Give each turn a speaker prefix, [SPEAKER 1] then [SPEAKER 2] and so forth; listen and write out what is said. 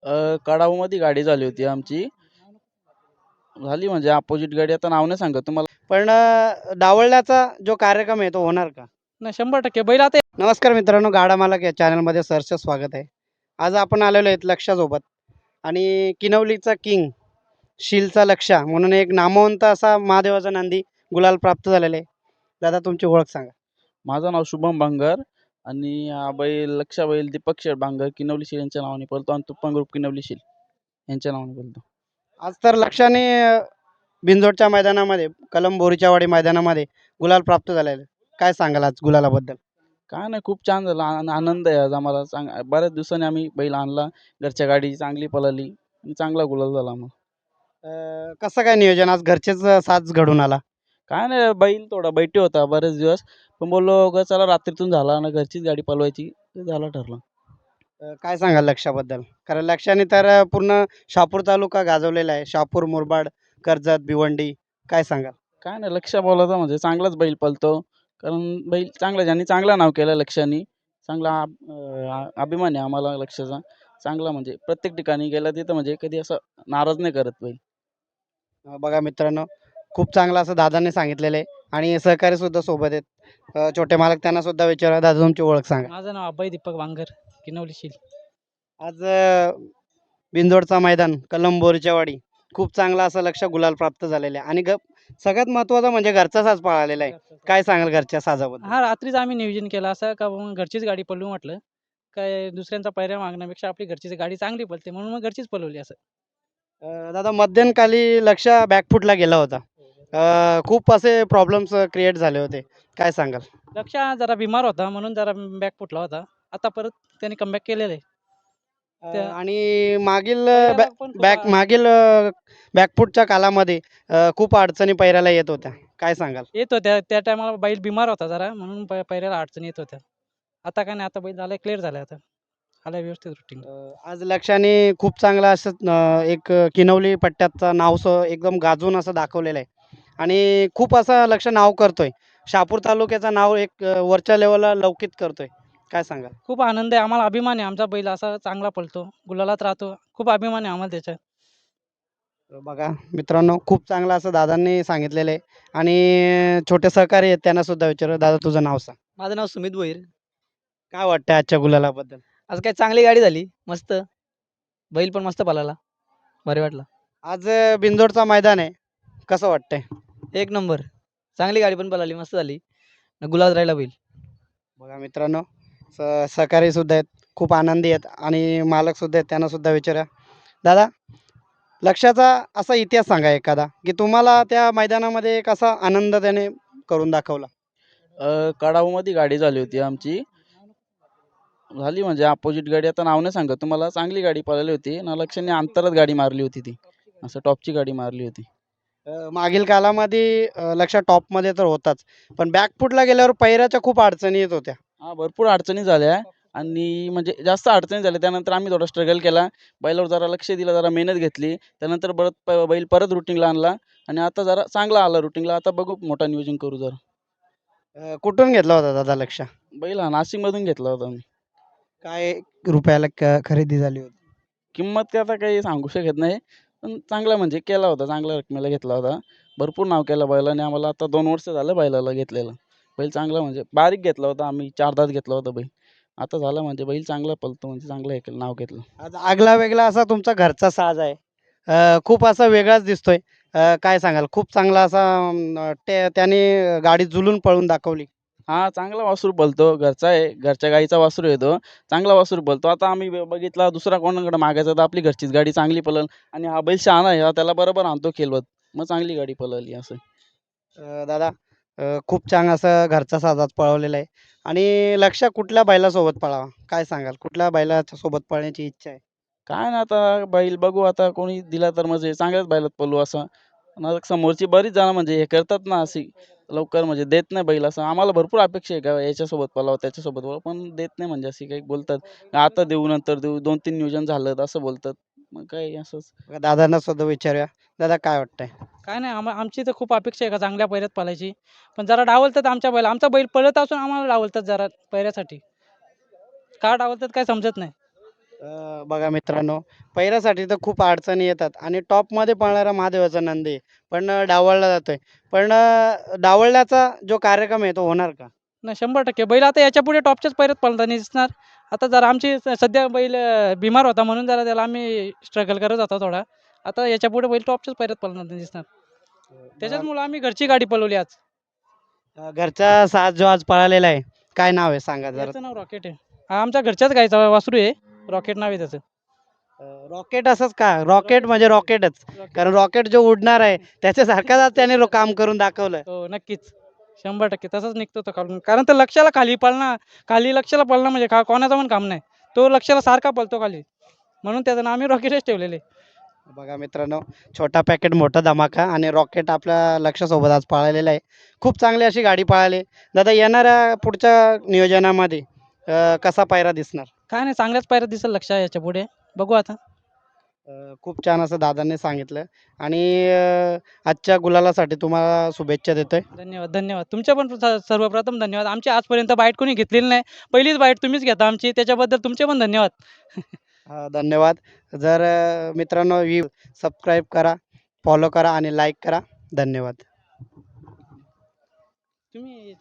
[SPEAKER 1] कडाऊमध्ये गाडी झाली होती आमची. झाली म्हणजे अपोजिट गाडी, आता नाव नाही सांगत तुम्हाला.
[SPEAKER 2] पण डावलण्याचा जो कार्यक्रम आहे तो होणार का?
[SPEAKER 3] नाही 100% बैल आता
[SPEAKER 2] नमस्कार मित्रांनो, गाडा मालक या चॅनलमध्ये सहर्ष स्वागत आहे. आज आपण आलेलो आहेत लक्षासोबत आणि किनवलीचा किंग शीलचा लक्षा म्हणून एक नामवंत असा महादेवाचा नंदी गुलाल प्राप्त झालेला आहे. दादा तुमची ओळख सांगा.
[SPEAKER 1] माझं नाव शुभम बांगर आणि हा बैल लक्षा बैल दीपक शेठ बांगर किनवली शील यांच्या नावाने पळतो आणि तुप्पन ग्रुप किनवली शील यांच्या नावाने पळतो.
[SPEAKER 2] आज तर लक्षाने बिंजोडच्या मैदानामध्ये कलम बोरीच्यावाडी मैदानामध्ये गुलाल प्राप्त झालेला आहे. काय सांगाल आज गुलालाबद्दल?
[SPEAKER 1] काय नाही, खूप छान झालं. आनंद आहे आज आम्हाला. बऱ्याच दिवसांनी आम्ही बैल आणला. घरच्या गाडी चांगली पळाली आणि चांगला गुलाल झाला मग.
[SPEAKER 2] कसं काय नियोजन आज घरचेच साथ घडून आला?
[SPEAKER 1] काय नाही, बैल थोडा बैठी होता बरेच दिवस, पण बोललो ग चला रात्रीतून झाला आणि घरचीच गाडी पळवायची, ते झालं ठरलं.
[SPEAKER 2] काय सांगाल लक्षाबद्दल? कारण लक्षाने तर पूर्ण शहापूर तालुका गाजवलेला आहे. शहापूर, मुरबाड, कर्जत, भिवंडी. काय सांगाल?
[SPEAKER 1] काय नाही, लक्ष बोलायचं म्हणजे चांगलाच बैल पळतो. कारण बैल चांगला, ज्यांनी चांगला नाव केलं लक्षाने, चांगला अभिमान आहे आम्हाला लक्षाचा. चांगला म्हणजे प्रत्येक ठिकाणी गेला तिथं म्हणजे कधी असं नाराज नाही करत बैल.
[SPEAKER 2] बघा मित्रांनो, खूप चांगलं असं दादांनी सांगितलेलं आहे आणि सहकारी सुद्धा सोबत आहेत. छोटे मालक त्यांना सुद्धा विचारा. दादा तुमची ओळख सांगा.
[SPEAKER 3] माझं नाव अभय दीपक वांगर किनवली शील.
[SPEAKER 2] आज बिंदोडचा मैदान कलम बोरीच्यावाडी खूप चांगला असं लक्ष गुलाल प्राप्त झालेलं आहे आणि सगळ्यात महत्त्वाचं म्हणजे घरचा साज पळालेला आहे. काय सांगाल घरच्या साजाबद्दल?
[SPEAKER 3] हा रात्रीच आम्ही नियोजन केलं असं का मग घरचीच गाडी पळवू म्हटलं. काय दुसऱ्यांचा पायऱ्या मागण्यापेक्षा आपली घरचीच गाडी चांगली पळते म्हणून मग घरचीच पळवली असं.
[SPEAKER 2] दादा मध्यंतकाली लक्ष बॅकफुटला गेला होता. खूप असे प्रॉब्लेम्स क्रिएट झाले होते. काय सांगाल?
[SPEAKER 3] लक्ष जरा बिमार होता म्हणून जरा बॅक फुटला होता. आता परत त्याने कमबॅक केलेलं आहे.
[SPEAKER 2] आणि मागील
[SPEAKER 3] पहिल्याला पण खूप
[SPEAKER 2] मागील बॅकफुटच्या कालामध्ये खूप अडचणी पैराला येत होत्या. काय सांगाल?
[SPEAKER 3] येत होत्या त्या टायमाला बैल बिमार होता जरा म्हणून पायऱ्याला अडचणी येत होत्या. आता काय नाही, आता बैल झालाय क्लिअर झालाय, आता आलाय व्यवस्थित रुटीन.
[SPEAKER 2] आज लक्षाने खूप चांगला असं एक किनवली पट्ट्याचं नाव एकदम गाजून असं दाखवलेलं आहे आणि खूप असं लक्ष नाव करतोय. शहापूर तालुक्याचं नाव एक वरच्या लेवलला लौकिक करतोय. काय सांगाल?
[SPEAKER 3] खूप आनंद आहे आम्हाला, अभिमान आहे आमचा बैल असा चांगला पळतो, गुलालात राहतो. खूप अभिमान आहे आम्हाला त्याचा.
[SPEAKER 2] बघा मित्रांनो, खूप चांगलं असं दादांनी सांगितलेलं आहे आणि छोटे सहकारी आहेत त्यांना सुद्धा विचारू. दादा तुझं नाव सांग.
[SPEAKER 4] माझं नाव सुमित भोईर.
[SPEAKER 2] काय वाटतं आजच्या गुलालाबद्दल?
[SPEAKER 4] आज काय चांगली गाडी झाली, मस्त. बैल पण मस्त पळाला, भारी वाटला.
[SPEAKER 2] आज बिंदोडचा मैदान आहे, कसं वाटतंय?
[SPEAKER 4] एक नंबर, चांगली गाडी पण पळाली, मस्त झाली. गुलाल राहिला बैल.
[SPEAKER 2] बघा मित्रांनो, सहकारी सुद्धा आहेत, खूप आनंदी आहेत आणि मालक सुद्धा आहेत, त्यांना सुद्धा विचारा. दादा लक्षाचा असा इतिहास सांगा एखादा, की तुम्हाला त्या मैदानामध्ये कसा आनंद त्याने करून दाखवला?
[SPEAKER 1] कडाऊमध्ये गाडी झाली होती आमची. झाली म्हणजे अपोजिट गाडी, आता नाव नाही सांगत तुम्हाला. चांगली गाडी पळाली होती ना, लक्षाने अंतरात गाडी मारली होती ती, असं टॉपची गाडी मारली होती.
[SPEAKER 2] मागील कालामध्ये लक्ष टॉपमध्ये तर होताच, पण बॅकफुटला गेल्यावर पैराच्या खूप अडचणी येत होत्या.
[SPEAKER 1] हा, भरपूर अडचणी झाल्या आणि म्हणजे जास्त अडचणी झाल्या. त्यानंतर आम्ही थोडा स्ट्रगल केला, बैलावर जरा लक्ष दिलं, जरा मेहनत घेतली. त्यानंतर बैल परत रुटीनला आणला आणि आता जरा चांगला आला रुटीनला. आता बघू, मोठा नियोजन करू जरा.
[SPEAKER 2] कुठून घेतला होता दादा लक्ष?
[SPEAKER 1] बैल हा नाशिकमधून घेतला होता आम्ही.
[SPEAKER 2] काय रुपयाला खरेदी झाली होती?
[SPEAKER 1] किंमत काय आता काही सांगू शकत नाही, पण चांगला म्हणजे केला होता, चांगल्या रकमेला घेतला होता. भरपूर नाव केलं बैलाने आम्हाला. आता 2 वर्ष झालं बैलाला घेतलेलं. बैल चांगला म्हणजे बारीक घेतला होता आम्ही, 4 दात घेतला होता बैल. आता झाला म्हणजे बैल चांगला पळतो, म्हणजे चांगलं हे केलं, नाव घेतलं.
[SPEAKER 2] आज आगला वेगळा असा तुमचा घरचा साज आहे, खूप असा वेगळाच दिसतोय. काय सांगाल? खूप चांगला असा त्याने गाडी जुलून पळून दाखवली.
[SPEAKER 1] हा, चांगला वासरू पळतो, घरचा आहे, घरच्या गाईचा वासरू येतो, चांगला वासरू पळतो. आता आम्ही बघितला दुसरा कोणाकडे मागायचा तर आपली घरचीच गाडी चांगली पळल आणि हा बैल शहाणा आहे, हा त्याला बरोबर आणतो खेळवत, मग चांगली गाडी पळवली असं.
[SPEAKER 2] दादा खूप छान असं घरचा साजात पळवलेला आहे आणि लक्ष कुठल्या बैलासोबत पळावा? काय सांगाल? कुठल्या बैलाच्या सोबत पळण्याची इच्छा आहे?
[SPEAKER 1] काय ना, आता बैल बघू, आता कोणी दिला तर म्हणजे चांगल्याच बैलात पळू असं. आणि समोरची बरीच जण म्हणजे हे करतात ना, अशी लवकर म्हणजे देत नाही बैल. असं आम्हाला भरपूर अपेक्षा आहे का याच्यासोबत पळावं, त्याच्यासोबत पळावं, पण देत नाही म्हणजे अशी काही बोलतात, आता देऊ नंतर देऊ, 2-3 नियोजन झालं तर असं बोलतात. मग काय असंच.
[SPEAKER 2] बघा, दादांना सुद्धा विचारूया. दादा काय वाटतंय?
[SPEAKER 3] काय नाही, आमची तर खूप अपेक्षा आहे का चांगल्या पैऱ्यात पळायची. पण जरा डावलतात आमचा बैल पळत असून आम्हाला डावलतात जरा पैऱ्यासाठी. का डावलतात काय समजत नाही.
[SPEAKER 2] बघा मित्रांनो, पैऱ्यासाठी तर खूप अडचणी येतात आणि टॉपमध्ये पळणारा महादेवाचा नंदी आहे, पण डावलला जातोय. पण डावलण्याचा जो कार्यक्रम आहे तो होणार का?
[SPEAKER 3] नाही 100% बैल आता याच्यापुढे टॉपच्याच पैऱ्यात पळताना दिसणार. आता जरा आमची सध्या बैल बिमार होता म्हणून जरा त्याला आम्ही स्ट्रगल करत होता थोडा. आता याच्यापुढे बैल टॉपच्याच पैऱ्यात पळताना दिसणार. त्याच्याचमुळं आम्ही घरची गाडी पळवली आज.
[SPEAKER 2] घरचा साज जो आज पळालेला आहे, काय नाव आहे सांगा जरा?
[SPEAKER 3] त्याचं नाव रॉकेट आहे. हा आमच्या घरच्याच गाईचा वासरू आहे. रॉकेट नाव आहे त्याचं.
[SPEAKER 2] रॉकेट असंच का? रॉकेट म्हणजे रॉकेटच. कारण रॉकेट जो उडणार आहे त्याच्यासारखाच आज त्याने काम करून दाखवलं.
[SPEAKER 3] हो नक्कीच. 100% तसंच निघतो तो खालून. कारण तो लक्षाला खाली पळणं खाली लक्षाला पळणं म्हणजे कोणाचं पण काम नाही. तो लक्षाला सारखा पळतो खाली. म्हणून त्याचं नाव आम्ही रॉकेटच ठेवलेलं आहे.
[SPEAKER 2] बघा मित्रांनो, छोटा पॅकेट मोठा धमाका आणि रॉकेट आपल्या लक्षासोबत आज पळालेला आहे. खूप चांगली अशी गाडी पळाली. दादा येणाऱ्या पुढच्या नियोजनामध्ये कसा पायरा दिसणार?
[SPEAKER 3] काय नाही चांगल्याच पायऱ्यात दिसेल लक्ष याच्यापुढे. बघू आता.
[SPEAKER 2] खूप छान असं दादांनी सांगितलं आणि आजच्या गुलालासाठी तुम्हाला शुभेच्छा देतोय.
[SPEAKER 3] धन्यवाद, धन्यवाद. तुमचे पण सर्वप्रथम धन्यवाद. आमची आजपर्यंत बाईट कोणी घेतलेली नाही. पहिलीच बाईट तुम्हीच घेता आमची. त्याच्याबद्दल तुमचे पण धन्यवाद.
[SPEAKER 2] धन्यवाद. जर मित्रांनो सबस्क्राईब करा, फॉलो करा आणि लाईक करा. धन्यवाद.
[SPEAKER 3] तुम्ही